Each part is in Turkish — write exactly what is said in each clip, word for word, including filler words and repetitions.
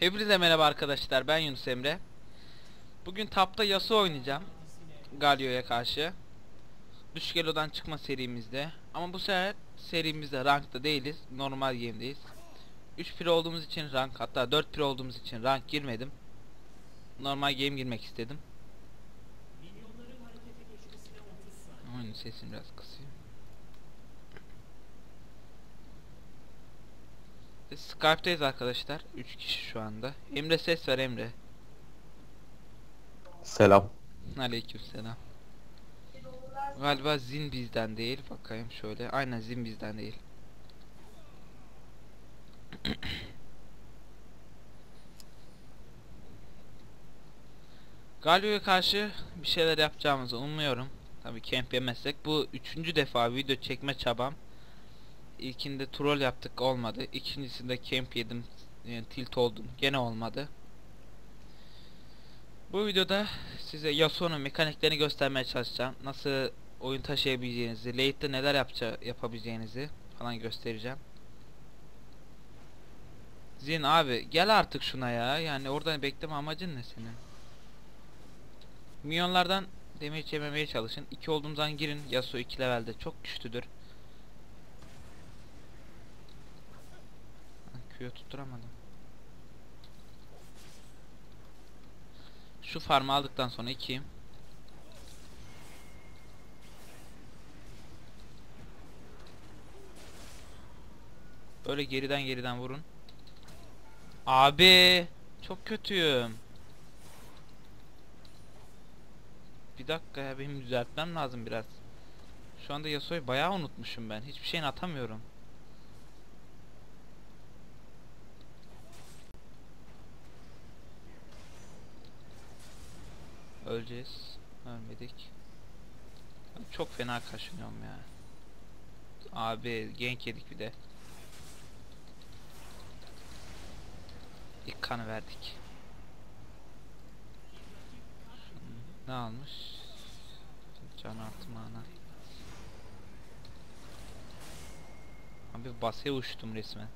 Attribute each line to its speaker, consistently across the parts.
Speaker 1: Hepinize merhaba arkadaşlar, ben Yunus Emre. Bugün tapta Yasuo oynayacağım Galio'ya karşı. Düşük Elo'dan çıkma serimizde. Ama bu sefer serimizde rankta değiliz, normal game'deyiz. üç pir olduğumuz için rank, hatta dört pir olduğumuz için rank girmedim. Normal game girmek istedim. Oyunun sesini biraz kısayım. Skype'dayız arkadaşlar, üç kişi şu anda. Emre, ses ver Emre.
Speaker 2: Selam.
Speaker 1: Aleykümselam. Galiba Zin bizden değil. Bakayım şöyle. Aynen Zin bizden değil. Galio'ya karşı bir şeyler yapacağımızı umuyorum. Tabii camp yemezsek. Bu üçüncü defa video çekme çabam. İlkinde troll yaptık, olmadı. İkincisinde camp yedim, yani tilt oldum, gene olmadı. Bu videoda size Yasuo'nun mekaniklerini göstermeye çalışacağım. Nasıl oyun taşıyabileceğinizi, late'de neler yapça yapabileceğinizi falan göstereceğim. Zin abi gel artık şuna ya. Yani oradan bekleme amacın ne senin? Minyonlardan damage yememeye çalışın. iki olduğum zaman girin. Yasuo iki levelde çok güçlüdür. Q'yu tutturamadım. Şu farmı aldıktan sonra ikiyim. Böyle geriden geriden vurun. Abi çok kötüyüm. Bir dakika ya, benim düzeltmem lazım biraz. Şu anda Yasuo'yu bayağı unutmuşum ben. Hiçbir şeyini atamıyorum. Öleceğiz. Ölmedik. Çok fena kaşınıyorum ya. Abi gank yedik bir de. İlk kanı verdik. Ne almış? Can artı mana. Abi basaya uçtum resmen.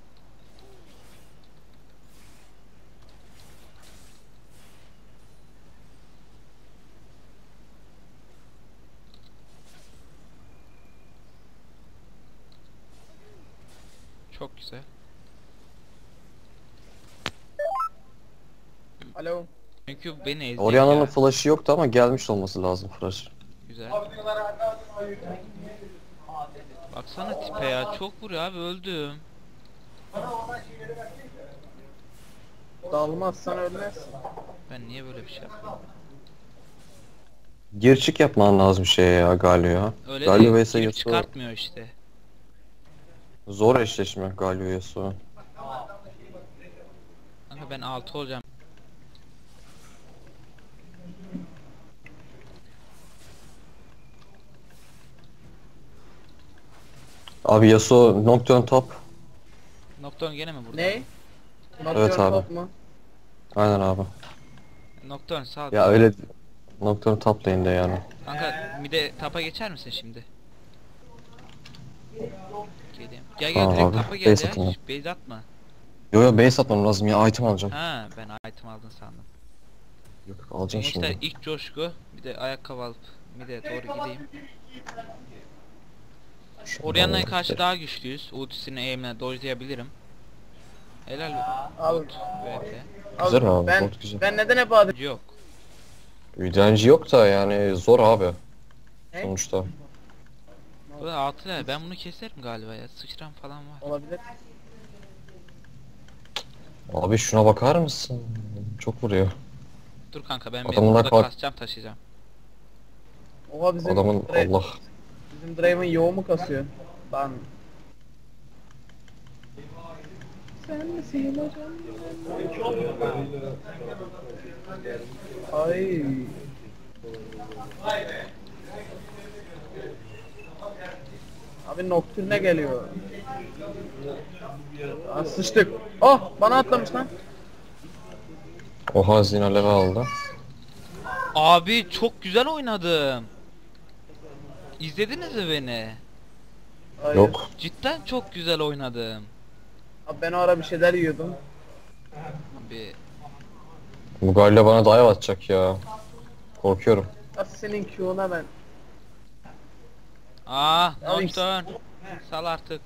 Speaker 1: Çok güzel.
Speaker 3: Alo.
Speaker 1: Çünkü beni ezecek
Speaker 2: Orianna'nın
Speaker 1: ya.
Speaker 2: flash'ı yoktu ama gelmiş olması lazım flash.
Speaker 1: Güzel. Baksana tipe ya, çok vuruyor abi, öldüm.
Speaker 3: Dalmazsan ölmezsin.
Speaker 1: Ben niye böyle bir şey yaptım?
Speaker 2: Gir çık yapman lazım şeye ya Galio'ya.
Speaker 1: Öyle
Speaker 2: Galio
Speaker 1: de
Speaker 2: vs
Speaker 1: girip
Speaker 2: Yasuo.
Speaker 1: çıkartmıyor işte.
Speaker 2: Zor eşleşme Galio Yasuo.
Speaker 1: Kanka ben altı olacağım.
Speaker 2: Abi Yasuo Nocturne top.
Speaker 1: Nocturne gene mi burada?
Speaker 3: Ne?
Speaker 2: Evet abi.
Speaker 3: Top mu?
Speaker 2: Aynen abi.
Speaker 1: Nocturne sağ ol.
Speaker 2: Ya öyle Nocturne top lane'de yani.
Speaker 1: Kanka mide tapa geçer misin şimdi? Geleyim. Gel gel
Speaker 2: Tamam
Speaker 1: direkt
Speaker 2: abi,
Speaker 1: tapa gel
Speaker 2: base
Speaker 1: ya.
Speaker 2: atayım.
Speaker 1: Hiç base atma.
Speaker 2: Yo yo base atmam lazım ya, item alacağım.
Speaker 1: Ha ben item aldın sandım.
Speaker 2: Yok alacağım
Speaker 1: Gençler
Speaker 2: şimdi.
Speaker 1: ilk coşku. Bir de ayakkabı alıp mide doğru gideyim. Orianna'ya karşı daha güçlüyüz. Ultisini aim'le dodge'layabilirim. Helal
Speaker 3: Al.
Speaker 1: bot V P.
Speaker 2: Güzel abi,
Speaker 3: ben,
Speaker 2: bot güzel.
Speaker 3: Ben neden hep adım?
Speaker 1: Yok.
Speaker 2: Direnci yok da yani zor abi.
Speaker 3: Ne?
Speaker 2: Sonuçta.
Speaker 1: Bu da altı level. Ben bunu keserim galiba ya. Sıçram falan var.
Speaker 3: Olabilir.
Speaker 2: Abi şuna bakar mısın? Çok vuruyor.
Speaker 1: Dur kanka ben bir
Speaker 2: Adamın
Speaker 1: burada
Speaker 2: bak-
Speaker 1: kasacağım, taşıyacağım.
Speaker 3: Oha bizim
Speaker 2: Adamın
Speaker 3: Dra-
Speaker 2: Allah.
Speaker 3: Bizim Draven yoğun mu kasıyor? Lan. Sen misin hocam? Ay. Abi Nocturne geliyor. Aa, sıçtık. Oh bana atlamış lan.
Speaker 2: Oha Zina level aldı.
Speaker 1: Abi çok güzel oynadım. İzlediniz mi beni?
Speaker 3: Hayır.
Speaker 2: Yok.
Speaker 1: Cidden çok güzel oynadım.
Speaker 3: Abi ben o ara bir şeyler yiyordum.
Speaker 1: Bir
Speaker 2: Bu Galio bana dive atacak ya. Korkuyorum.
Speaker 3: Nasıl senin Q'una ben.
Speaker 1: Aa,
Speaker 3: Abi,
Speaker 1: Nocturne. Sal artık.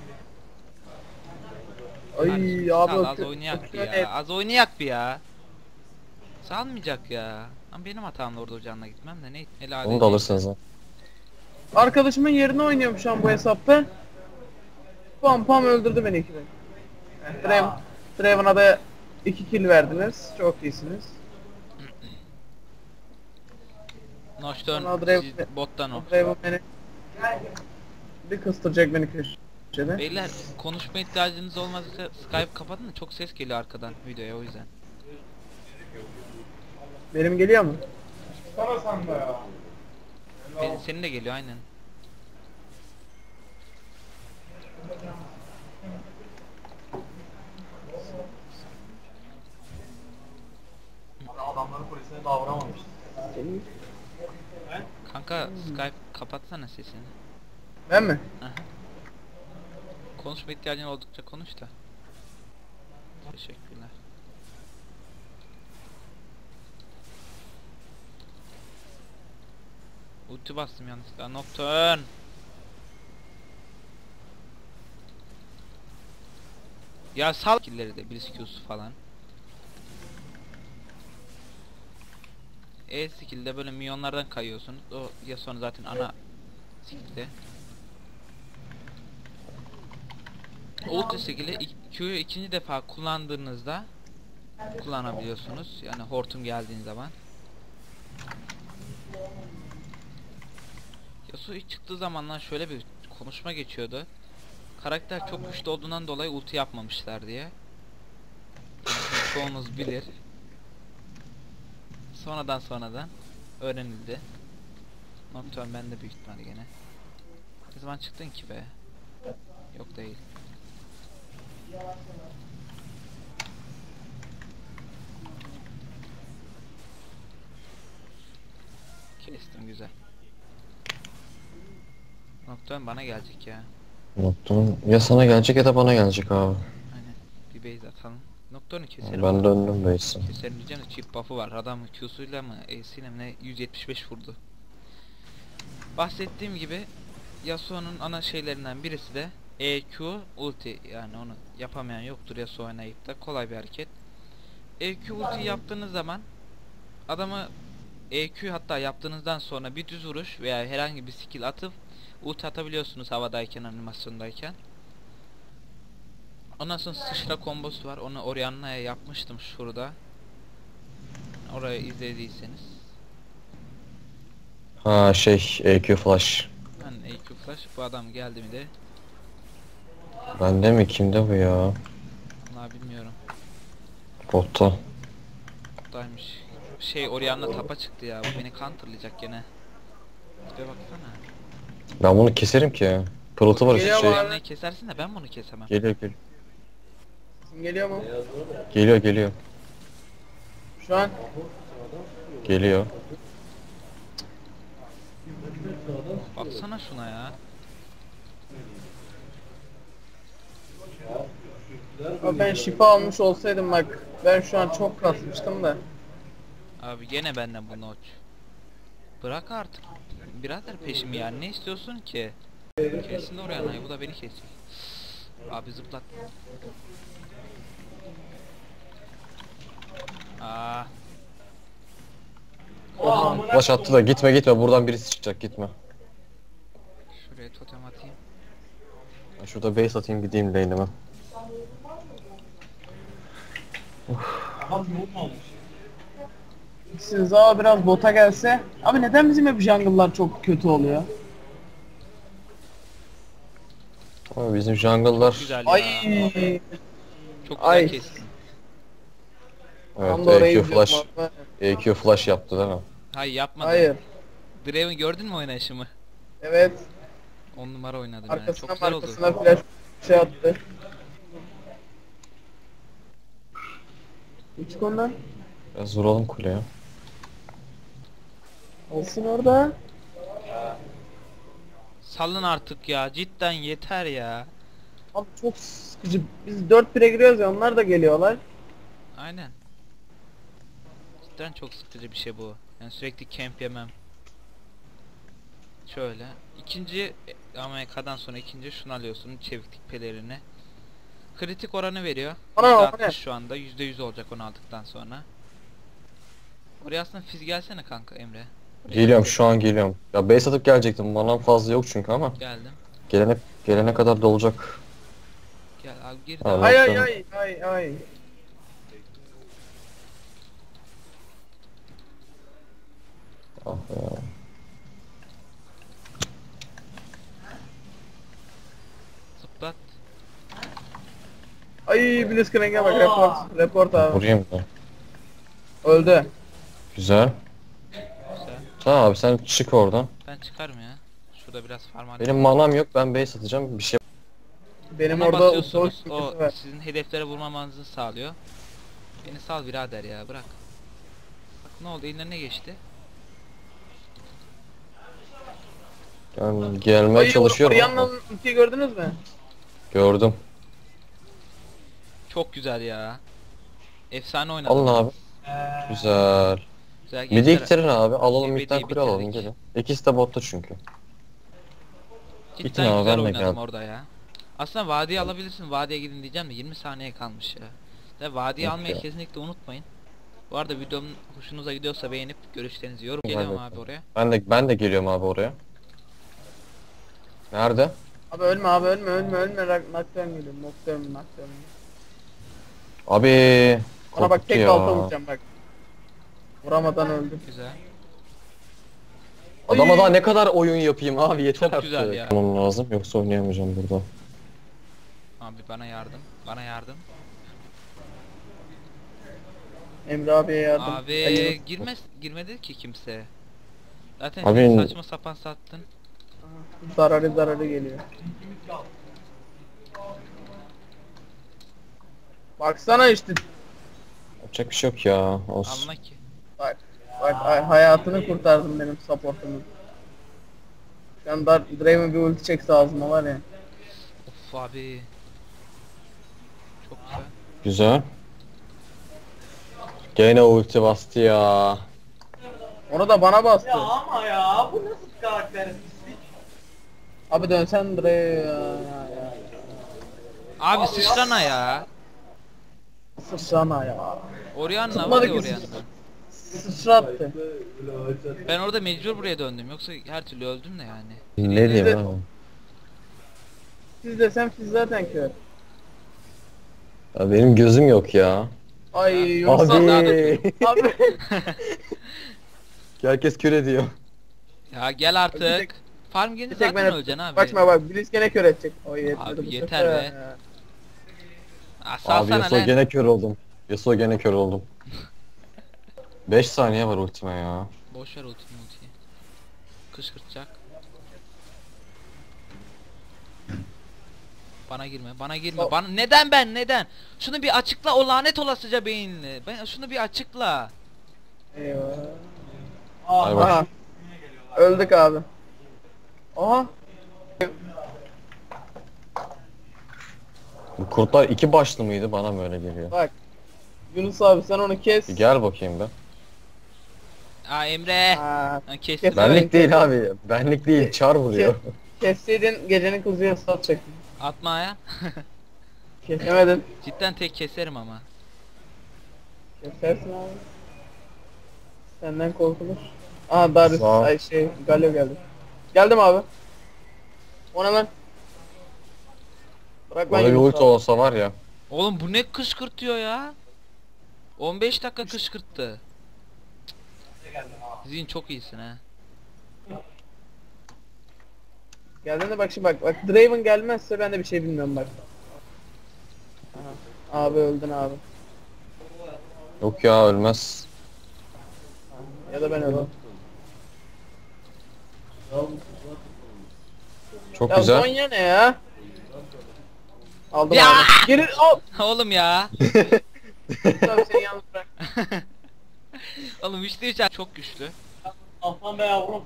Speaker 3: Ay
Speaker 1: Kardeşim,
Speaker 3: abi
Speaker 1: sal,
Speaker 3: o
Speaker 1: az
Speaker 3: Q-
Speaker 1: oynayak
Speaker 3: o
Speaker 1: bir
Speaker 3: Q
Speaker 1: ya.
Speaker 3: ne?
Speaker 1: Az oynayak bir ya. Salmayacak ya. Ama benim hatam orada ocağına gitmem de ne helal
Speaker 2: Onu da alırsınız ha.
Speaker 3: Arkadaşımın yerine oynuyorum şu an bu hesapta. Pam pam öldürdü beni iki bin. Draven, Draven'a da iki kill verdiniz. Çok iyisiniz.
Speaker 1: Nocturne
Speaker 3: Sonra Draven,
Speaker 1: siz- bottan o.
Speaker 3: o Draven beni bir kıstıracak beni köşede.
Speaker 1: Beyler konuşma ihtiyacınız olmazsa Skype kapatın da çok ses geliyor arkadan videoya o yüzden.
Speaker 3: Benim geliyor mu?
Speaker 1: Benim, senin de geliyor aynen.
Speaker 4: Adamların polisine davranmamış.
Speaker 1: Kanka Skype kapatsana sesini.
Speaker 3: Ben mi?
Speaker 1: Aha. Konuşma ihtiyacın oldukça konuş da. Teşekkürler. Ulti bastım yanlışlıkla. Nocturne. Ya sal killeri de Blitz Q'su falan. E skill'de böyle milyonlardan kayıyorsunuz. O ya sonra zaten ana skill'de. Ulti skill'i Q'yu ikinci defa kullandığınızda kullanabiliyorsunuz. Yani hortum geldiğin zaman. Yasuo ilk çıktığı zamanlar şöyle bir konuşma geçiyordu. Karakter çok güçlü olduğundan dolayı ulti yapmamışlar diye. Çoğunuz bilir. Sonradan sonradan öğrenildi. Nocturne bende büyük ihtimalle gene. Ne zaman çıktın ki be? Yok değil. Kestim güzel. Nocturne bana gelecek ya.
Speaker 2: Unuttum. Ya sana gelecek ya da bana gelecek abi.
Speaker 1: Aynen. Bir base atalım. Nocturne'u keserim.
Speaker 2: Ben döndüm base'e.
Speaker 1: Keserim diyeceğim de çift buff'ı var. Adam Q'suyla mı E'siyle mi ne yüz yetmiş beş vurdu. Bahsettiğim gibi Yasuo'nun ana şeylerinden birisi de E Q ulti, yani onu yapamayan yoktur Yasuo oynayıp da, kolay bir hareket. E Q ulti yaptığınız zaman adamı E Q hatta yaptığınızdan sonra bir düz vuruş veya herhangi bir skill atıp ulti atabiliyorsunuz havadayken, animasyondayken. Ondan sonra sıçra kombosu var. Onu Orianna'ya yapmıştım şurada. Orayı izlediyseniz.
Speaker 2: Ha şey E Q flash.
Speaker 1: Ben E Q flash, bu adam geldi mi de
Speaker 2: Bende mi? Kimde bu ya?
Speaker 1: vallahi bilmiyorum.
Speaker 2: Botta.
Speaker 1: Buradaymış. Şey, Orianna tapa çıktı ya. Bu beni counterlayacak gene. Bir baksana.
Speaker 2: Ben bunu keserim ki. Pırıltı var
Speaker 3: Geliyor
Speaker 2: işte şey.
Speaker 3: mu?
Speaker 1: Orianna'yı kesersin de ben bunu kesemem.
Speaker 2: Geliyor geliyor.
Speaker 3: Sesim geliyor mu?
Speaker 2: Geliyor geliyor.
Speaker 3: Şu an
Speaker 2: Geliyor.
Speaker 1: Baksana şuna ya.
Speaker 3: Ama ben şifa almış olsaydım bak, ben şu an çok kasmıştım da.
Speaker 1: Abi gene benden bu notch. Bırak artık. Birader peşimi yani, ne istiyorsun ki? Kesin Orianna'yı, bu da beni kesecek. Abi zıplat. Aa,
Speaker 2: Flash attı da gitme gitme, buradan birisi çıkacak, gitme.
Speaker 1: şuraya totem atayım.
Speaker 2: Ben şurada base atayım, gideyim lane'ime.
Speaker 4: Adam yok olmuş.
Speaker 3: Sinzawa biraz bota gelse. Abi neden bizim hep jungle'lar çok kötü oluyor?
Speaker 2: Ama bizim jungle'lar...
Speaker 1: Güzel ya.
Speaker 3: Ay.
Speaker 1: Çok güzel
Speaker 3: Ay.
Speaker 1: kestin.
Speaker 3: Tam da
Speaker 2: Evet,
Speaker 3: orayı
Speaker 2: E Q flash.
Speaker 3: izliyorum abi.
Speaker 2: E Q flash yaptı değil mi?
Speaker 1: Hayır, yapmadı.
Speaker 3: Hayır.
Speaker 1: Draven gördün mü oynayışımı?
Speaker 3: Evet.
Speaker 1: on numara oynadım yani. Çok
Speaker 3: Arkasına
Speaker 1: güzel oldu.
Speaker 3: arkasına flash şey attı. Çık ondan.
Speaker 2: Biraz vuralım kuleye.
Speaker 3: Olsun orada.
Speaker 1: Salın artık ya. Cidden yeter ya.
Speaker 3: Abi çok sıkıcı. Biz dört bire giriyoruz ya, onlar da geliyorlar.
Speaker 1: Aynen. Cidden çok sıkıcı bir şey bu. Yani sürekli camp yemem. Şöyle. İkinci A M K'dan sonra ikinci şunu alıyorsun. Çeviklik pelerini. Kritik oranı veriyor.
Speaker 3: Ana,
Speaker 1: yüzde
Speaker 3: o ne?
Speaker 1: altmış şu anda. yüzde yüz olacak onu aldıktan sonra. Oraya aslında fiz gelsene kanka Emre.
Speaker 2: Geliyorum şu an geliyorum. Ya base atıp gelecektim. Manam fazla yok çünkü ama
Speaker 1: Geldim.
Speaker 2: gelene gelene kadar dolacak.
Speaker 1: Gel abi gir
Speaker 2: Allah.
Speaker 1: de.
Speaker 3: Ay ay ay ay ay.
Speaker 2: Ah ya.
Speaker 1: Zıplat.
Speaker 3: Ay Blitzcrank'e bak, report. Report abi.
Speaker 2: Vurayım da.
Speaker 3: Öldü.
Speaker 2: Güzel.
Speaker 1: Güzel.
Speaker 2: Tamam abi sen çık oradan.
Speaker 1: Ben çıkarım ya. Şurada biraz farm
Speaker 2: Benim manam yok, ben base atacağım bir şey.
Speaker 3: Benim
Speaker 1: Ona
Speaker 3: orada
Speaker 1: basıyorsunuz.
Speaker 3: soğuk
Speaker 1: O
Speaker 3: sıkıntı var.
Speaker 1: sizin hedeflere vurmamanızı sağlıyor. Beni sal birader ya, bırak. Bak ne oldu, eline ne geçti?
Speaker 2: Yani gelmeye
Speaker 3: Ay,
Speaker 2: çalışıyorum ama.
Speaker 3: Orianna'nın ultiyi gördünüz mü?
Speaker 2: Gördüm.
Speaker 1: Çok güzel ya. Efsane oynadım.
Speaker 2: Alın abi. Güzel.
Speaker 1: Güzel
Speaker 2: Midi
Speaker 1: gençler.
Speaker 2: iktirin abi. Alalım
Speaker 1: Midi'yi
Speaker 2: midden kule alalım
Speaker 1: bitirdik.
Speaker 2: gelin. İkisi de botta çünkü.
Speaker 1: Cidden
Speaker 2: Gittin abi,
Speaker 1: güzel
Speaker 2: ben de
Speaker 1: oynadım
Speaker 2: geldim.
Speaker 1: orada ya. Aslında vadiye alabilirsin. Vadiye gidin diyeceğim de yirmi saniye kalmış ya. Ve vadiye
Speaker 2: Yok
Speaker 1: almayı
Speaker 2: ya.
Speaker 1: kesinlikle unutmayın. Bu arada videomun hoşunuza gidiyorsa beğenip görüşlerinizi yorum.
Speaker 2: Vay
Speaker 1: Geliyorum
Speaker 2: be.
Speaker 1: abi oraya.
Speaker 2: Ben de ben de geliyorum abi oraya. Nerede?
Speaker 3: Abi ölme abi, ölme ölme ölme. Nocturne geliyorum. Nocturne Nocturne.
Speaker 2: Abi.
Speaker 3: Ona bak,
Speaker 2: korkuttu
Speaker 3: tek
Speaker 2: ya.
Speaker 3: balta vuracağım bak. Vuramadan öldü.
Speaker 1: Güzel.
Speaker 2: Adama
Speaker 3: Ay.
Speaker 2: daha ne kadar oyun yapayım abi, yeter
Speaker 1: Çok
Speaker 2: artık.
Speaker 1: güzel ya.
Speaker 2: Yapmam lazım yoksa oynayamayacağım burada.
Speaker 1: Abi bana yardım. Bana yardım.
Speaker 3: Emre abiye yardım.
Speaker 1: Abi
Speaker 3: Hayır.
Speaker 1: girmez girmedi ki kimse. Zaten
Speaker 2: Abi-
Speaker 1: sen saçma sapan sattın.
Speaker 3: Zararı zararı geliyor. Baksana işte.
Speaker 2: Yapacak bir şey yok ya. Olsun.
Speaker 1: Anla ki.
Speaker 3: Bak. Bak ay, hayatını kurtardım benim supportumun. Şu an Dar Draven bir ulti çekse ağzıma var ya.
Speaker 1: Of abi. Çok güzel.
Speaker 2: Güzel. Gene ulti bastı ya.
Speaker 3: Onu da bana bastı.
Speaker 4: Ya ama ya bu nasıl bir karakter? Pislik.
Speaker 3: Abi dönsen Draven ya, ya, ya.
Speaker 1: Abi sıçrana ya.
Speaker 3: Sıçrana ya.
Speaker 1: Orianna var
Speaker 3: Tutmadı
Speaker 1: ya
Speaker 3: ki
Speaker 1: Orianna.
Speaker 3: Sıçrattı.
Speaker 1: Ben orada mecbur buraya döndüm. Yoksa her türlü öldüm de yani.
Speaker 2: Ne diyeyim
Speaker 3: de-
Speaker 2: abi?
Speaker 3: Siz desem siz zaten kör.
Speaker 2: Ya benim gözüm yok ya.
Speaker 3: Ay yoksa
Speaker 2: Abi.
Speaker 3: abi.
Speaker 2: Herkes kür ediyor.
Speaker 1: Ya gel
Speaker 3: Bir
Speaker 1: artık.
Speaker 3: tek-
Speaker 1: Farm gelince
Speaker 3: Bir tek
Speaker 1: zaten
Speaker 3: ben
Speaker 1: öleceksin abi.
Speaker 3: Bakma bak, Blitz gene kör edecek. O yetmedi
Speaker 1: Abi
Speaker 3: bu
Speaker 1: yeter
Speaker 3: sefer
Speaker 1: be.
Speaker 3: ya.
Speaker 1: Aa,
Speaker 2: Abi
Speaker 1: salsana
Speaker 2: Yasuo
Speaker 1: lan.
Speaker 2: gene kör oldum. Yasuo gene kör oldum. beş saniye var ultime ya.
Speaker 1: Boş ver ultimi ultiyi. Kışkırtacak. Bana girme, bana girme.
Speaker 3: O-
Speaker 1: Bana neden ben neden? Şunu bir açıkla, o lanet olasıca beyinli. Ben şunu bir açıkla.
Speaker 3: Eyvah.
Speaker 2: Ay bak.
Speaker 3: Aha. Öldük abi. Aha.
Speaker 2: Bu kurtlar iki başlı mıydı, bana mı öyle geliyor?
Speaker 3: Bak. Yunus abi sen onu kes.
Speaker 2: Bir gel bakayım be.
Speaker 1: Aa Emre.
Speaker 3: Ha,
Speaker 1: Ha, kestim.
Speaker 3: Kes-
Speaker 2: Benlik
Speaker 3: Evet.
Speaker 2: değil abi. Benlik değil. Çar vuruyor.
Speaker 3: kesseydin gecenin kuzuya satacaktın.
Speaker 1: Atma ya.
Speaker 3: Kesemedin.
Speaker 1: Cidden tek keserim ama.
Speaker 3: Kesersin abi. Senden korkulur. Aha Darius,
Speaker 2: Sağ ol.
Speaker 3: ay şey Galio geldi. Geldim abi. Ona lan. Bırak lan
Speaker 2: Bana bir
Speaker 3: Yunus
Speaker 2: ulti
Speaker 3: abi.
Speaker 2: olsa var ya.
Speaker 1: Oğlum bu ne kışkırtıyor ya? on beş dakika kışkırttı. Zin çok iyisin ha.
Speaker 3: Geldiğinde bak şimdi bak. Bak Draven gelmezse ben de bir şey bilmiyorum bak. Aha. Abi öldün abi.
Speaker 2: Yok ya, ölmez.
Speaker 3: Ya da ben öldüm.
Speaker 2: Çok
Speaker 3: Ya
Speaker 2: güzel.
Speaker 3: Zonya ne ya? Aldım
Speaker 1: Ya!
Speaker 3: abi. Geri al.
Speaker 1: Oğlum ya.
Speaker 3: Tabii seni yalnız bırak.
Speaker 1: Oğlum üçte üç çok güçlü.
Speaker 4: Aslan be yavrum.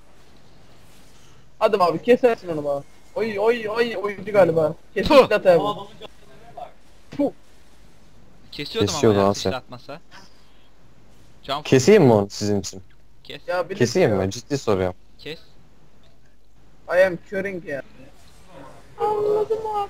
Speaker 3: Hadi abi kesersin onu bana. Oy oy oy oyuncu galiba.
Speaker 1: Puh.
Speaker 3: Kesinlikle tabi.
Speaker 4: Adamın canına bak.
Speaker 3: Puh.
Speaker 1: Kesiyordum
Speaker 2: Kesiyordu
Speaker 1: ama ya
Speaker 2: ha sen.
Speaker 1: sıçratmasa. Can
Speaker 2: Keseyim mi onu sizin için?
Speaker 1: kes.
Speaker 3: Ya bir
Speaker 2: Keseyim mi? Ciddi soruyorum.
Speaker 1: Kes.
Speaker 3: I am curing ya. Anladım abi.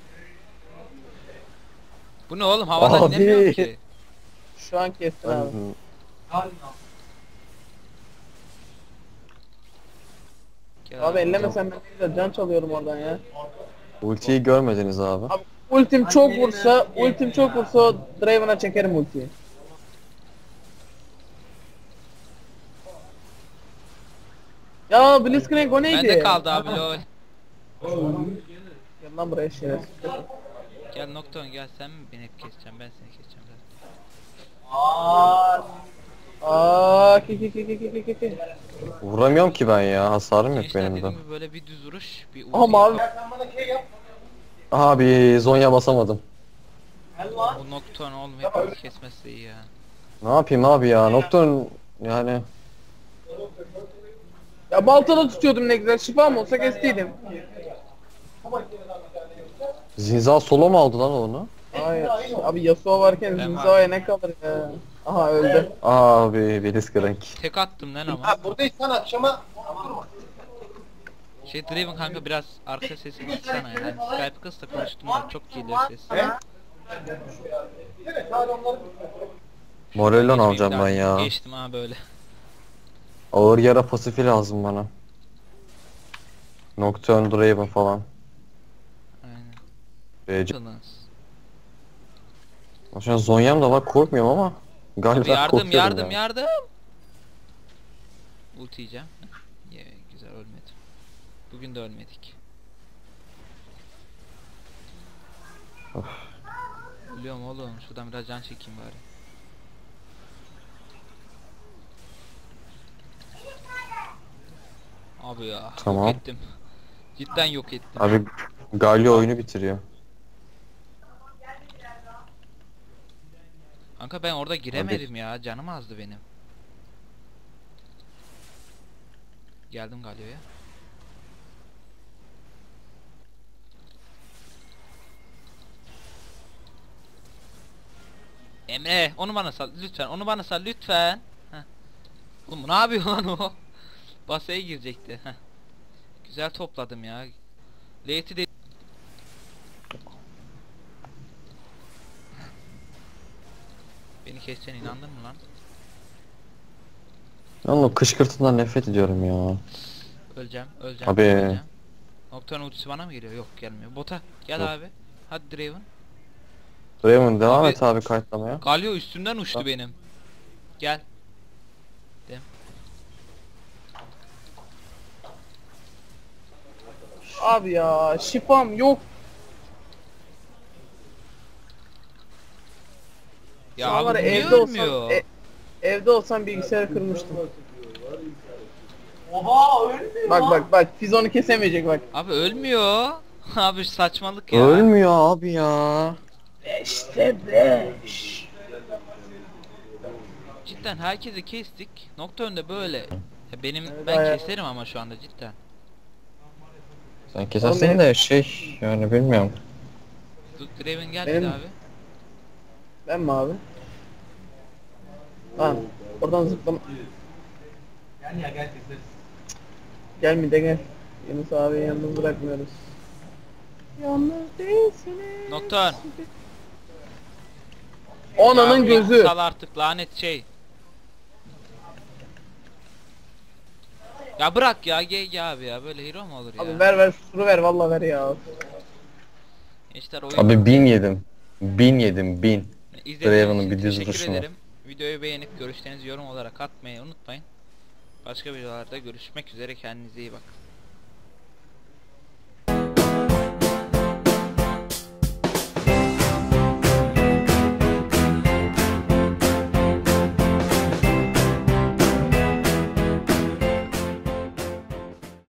Speaker 1: Bu ne oğlum havadan
Speaker 2: Abi.
Speaker 1: inemiyorum ki.
Speaker 3: Şu an kestin abi.
Speaker 1: Gel
Speaker 3: Abi ellemesen ben ne güzel can çalıyorum oradan ya.
Speaker 2: Ultiyi görmediniz abi.
Speaker 3: Abi ultim çok vursa, ultim çok vursa o Draven'a çekerim ultiyi. Ya Blitzcrank o neydi?
Speaker 1: Bende kaldı abi lol.
Speaker 3: Gel lan buraya şerefsiz.
Speaker 1: Gel Nocturne gel sen mi beni hep keseceksin ben seni keseceğim zaten.
Speaker 3: Aaa ki ki ki ki ki ki ki.
Speaker 2: Vuramıyorum ki ben ya. Hasarım yok
Speaker 1: Gençler
Speaker 2: benim de.
Speaker 1: dediğim gibi böyle bir düz vuruş bir ulti.
Speaker 3: Aha mavi.
Speaker 2: Abi Zonya basamadım.
Speaker 1: Bu Nocturne oğlum hepimiz kesmezse iyi ya.
Speaker 2: Ne yapayım abi ya? Nocturne yani
Speaker 3: Ya baltada tutuyordum ne güzel şifam olsa kestiydim.
Speaker 2: Zinza solo mu aldı lan onu?
Speaker 3: Hayır. Abi Yasuo varken
Speaker 1: Ben
Speaker 3: Zinza'ya ne kalır ya. Aha öldü.
Speaker 2: Abi Blitzcrank.
Speaker 1: Tek attım lan ama.
Speaker 4: Ha buradaysan akşama
Speaker 1: Şey Draven kanka biraz arka sesini kıssana ya. Yani Skype kıs da konuştum da çok geliyor ses.
Speaker 2: Morellon
Speaker 1: Geçmeyeyim
Speaker 2: alacağım
Speaker 1: daha.
Speaker 2: ben ya.
Speaker 1: Geçtim ha böyle.
Speaker 2: Ağır yara pasifi lazım bana. Nocturne Draven falan.
Speaker 1: Aynen.
Speaker 2: B C.
Speaker 1: Yalnız.
Speaker 2: Şu an Zonya'm da var korkmuyorum ama. Galiba
Speaker 1: Abi yardım
Speaker 2: korkuyorum
Speaker 1: yardım
Speaker 2: ya.
Speaker 1: yardım. Ulti yiyeceğim. Ye güzel ölmedim. Bugün de ölmedik. Biliyorum oğlum şuradan biraz can çekeyim bari. Abi ya
Speaker 2: Tamam.
Speaker 1: yok ettim. Cidden yok ettim.
Speaker 2: Abi Galio oyunu bitiriyor.
Speaker 1: Kanka ben orada giremedim ya canım azdı benim. Geldim Galio'ya. Emre onu bana sal lütfen onu bana sal lütfen. Heh. Oğlum ne yapıyor lan o? Basaya girecekti. Heh. Güzel topladım ya. Late'i de beni keseceğine inandın mı lan?
Speaker 2: Lan o kışkırtından nefret ediyorum ya.
Speaker 1: Öleceğim, öleceğim,
Speaker 2: Abi.
Speaker 1: öleceğim. Nocturne ultisi bana mı geliyor? Yok gelmiyor. Bota gel
Speaker 2: Yok.
Speaker 1: abi. Hadi Draven.
Speaker 2: Draven devam
Speaker 1: Abi-
Speaker 2: et abi kayıtlamaya.
Speaker 1: Galio üstümden uçtu
Speaker 2: Ha.
Speaker 1: benim. Gel.
Speaker 3: Abi ya şifam yok.
Speaker 1: Ya
Speaker 3: Şu an var
Speaker 1: abi
Speaker 3: ya,
Speaker 1: niye
Speaker 3: evde
Speaker 1: ölmüyor?
Speaker 3: olsam, e- evde olsam bilgisayarı kırmıştım.
Speaker 4: oha ölmüyor.
Speaker 3: Bak bak bak Fizon'u kesemeyecek bak.
Speaker 1: Abi ölmüyor. Abi saçmalık ya.
Speaker 2: Ölmüyor abi ya.
Speaker 3: beşte beş.
Speaker 1: Cidden herkesi kestik. Nocturne'de böyle. Ya benim
Speaker 3: Evet,
Speaker 1: ben
Speaker 3: ayağı-
Speaker 1: keserim ama şu anda cidden.
Speaker 2: Sen kesersin de şey yani bilmiyorum.
Speaker 1: Du- Draven gel
Speaker 3: Benim-
Speaker 1: bir abi.
Speaker 3: Ben mi abi? Lan oradan zıplama.
Speaker 4: Yani ya gel keseriz.
Speaker 3: Gel mi de gel. Yunus abi yalnız bırakmıyoruz. Yalnız değilsiniz.
Speaker 1: Nocturne.
Speaker 3: Onanın
Speaker 1: Ya bir
Speaker 3: gözü.
Speaker 1: Sal artık lanet şey. Ya bırak ya G G abi ya böyle hero mu olur ya?
Speaker 3: Abi ver ver suru ver vallahi ver ya.
Speaker 1: Gençler oyun
Speaker 2: Abi bin yedim. Bin yedim bin.
Speaker 1: İzlediğiniz
Speaker 2: Draven'ın
Speaker 1: için
Speaker 2: bir düz
Speaker 1: teşekkür
Speaker 2: vuruşuna.
Speaker 1: ederim. Videoyu beğenip görüşlerinizi yorum olarak atmayı unutmayın. Başka videolarda görüşmek üzere kendinize iyi bakın.